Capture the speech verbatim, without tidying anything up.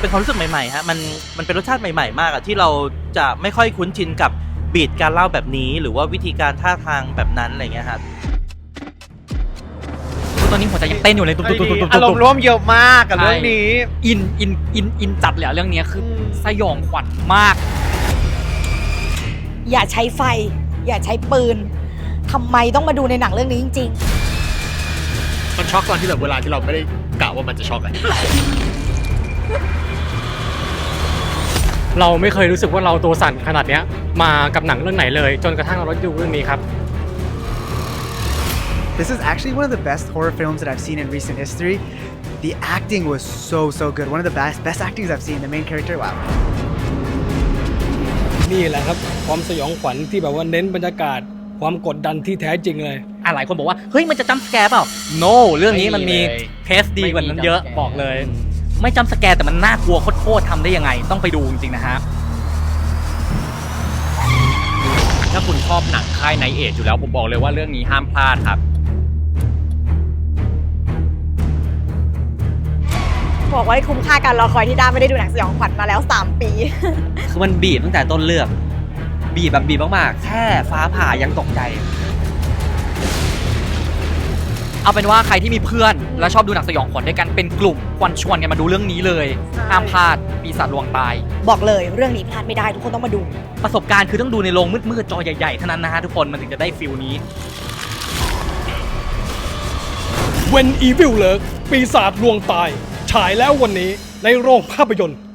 เป็นความรู้สึกใหม่ๆฮะมันมันเป็นรสชาติใหม่ๆมากอะที่เราจะไม่ค่อยคุ้นชินกับบีทการเล่าแบบนี้หรือว่าวิธีการท่าทางแบบนั้นอะไรเงี้ยครับตอนนี้หัวใจยังเต้นอยู่เลยตุ๊บตุ๊บตุ๊บตุ๊บอารมณ์ร่วมเยอะมากกับเรื่องนี้อินอินอินอินจัดเลยเรื่องนี้คือสยองขวัญมากอย่าใช้ไฟอย่าใช้ปืนทำไมต้องมาดูในหนังเรื่องนี้จริงๆมันช็อกตอนที่แบบเวลาที่เราไม่ได้กะว่ามันจะช็อกอะเราไม่เคยรู้สึกว่าเราตัวสั่นขนาดเนี้ยมากับหนังเรื่องไหนเลยจนกระทั่งเราได้ดูเรื่องนี้ครับ This is actually one of the best horror films that I've seen in recent history. The acting was so so good. One of the best best actings I've seen. The main character, wow. นี่แหละครับความสยองขวัญที่แบบว่าเน้นบรรยากาศความกดดันที่แท้จริงเลยอ่ะหลายคนบอกว่าเฮ้ยมันจะจัมป์สแกร์เปล่า no เรื่องนี้มันมีเพสดีกว่านั้นเยอะบอกเลยไม่จัมป์สแกร์แต่มันน่ากลัวโคตรๆทำได้ยังไงต้องไปดูจริงๆนะฮะถ้าคุณชอบหนังค่ายไนท์เอจอยู่แล้วผมบอกเลยว่าเรื่องนี้ห้ามพลาดครับบอกว่าคุ้มค่าการรอคอยที่ด้าไม่ได้ดูหนังสยองขวัญมาแล้วสามปีคือมันบีทตั้งแต่ต้นเรื่องบีทแบบบีทมากๆแค่ฟ้าผ่ายังตกใจเอาเป็นว่าใครที่มีเพื่อนแล้วชอบดูหนังสยองขวัญด้วยกันเป็นกลุ่มควรชวนกันมาดูเรื่องนี้เลยห้ามพลาดปีศาจลวงตายบอกเลยเรื่องนี้พลาดไม่ได้ทุกคนต้องมาดูประสบการณ์คือต้องดูในโรงมืดๆจอใหญ่ๆเท่านั้นนะฮะทุกคนมันถึงจะได้ฟิลนี้ When Evil Lurks ปีศาจลวงตายฉายแล้ววันนี้ในโรงภาพยนตร์